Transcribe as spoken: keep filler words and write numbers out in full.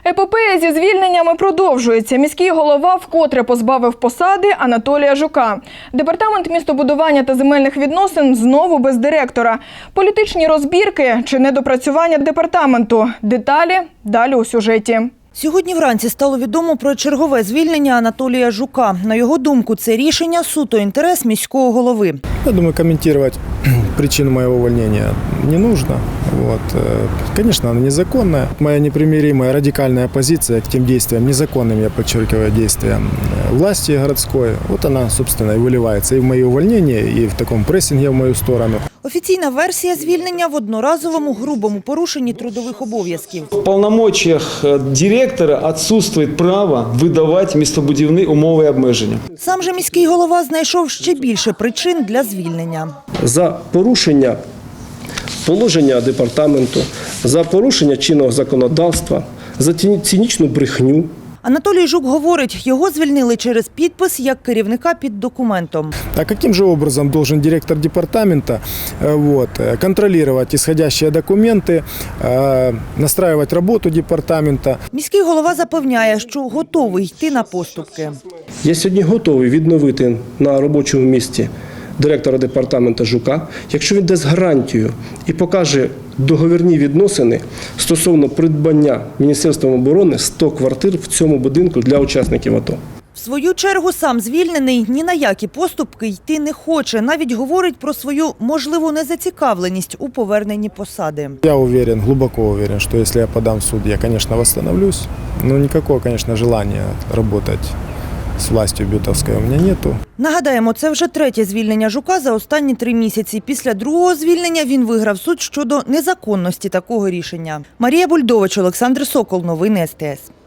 Епопея зі звільненнями продовжується. Міський голова вкотре позбавив посади Анатолія Жука. Департамент містобудування та земельних відносин знову без директора. Політичні розбірки чи недопрацювання департаменту. Деталі далі у сюжеті. Сьогодні вранці стало відомо про чергове звільнення Анатолія Жука. На його думку, це рішення суто інтерес міського голови. Я думаю, комментировать причину моего увольнения не нужно. Вот. Конечно, она незаконная. Моя непримиримая радикальная позиция к тем действиям, незаконным, я подчеркиваю, действиям власти городской, вот она, собственно, и выливается и в мои увольнения, и в таком прессинге в мою сторону. Офіційна версія звільнення в одноразовому грубому порушенні трудових обов'язків. В повномочіях директора отсутствует право видавати містобудівні умови і обмеження. Сам же міський голова знайшов ще більше причин для звільнення. За порушення положення департаменту, за порушення чинного законодавства, за цинічну брехню. Анатолій Жук говорить, його звільнили через підпис як керівника під документом. А каким же образом должен директор департамента вот, контролировать исходящие документы, настраивать работу департамента? Міський голова запевняє, що готовий йти на поступки. Я сьогодні готовий відновити на робочому місці директора департаменту Жука, якщо він дасть гарантію і покаже договірні відносини стосовно придбання Міністерством оборони сто квартир в цьому будинку для учасників АТО. В свою чергу сам звільнений ні на які поступки йти не хоче. Навіть говорить про свою можливу незацікавленість у поверненні посади. Я уверен, глубоко уверен, что если я подам в суд, я, конечно, восстановлюсь. Но никакого, конечно, желания работать з властю бютовською у мене нету. Нагадаємо, це вже третє звільнення Жука за останні три місяці. Після другого звільнення він виграв суд щодо незаконності такого рішення. Марія Бульдович, Олександр Сокол. Новини ес те ес.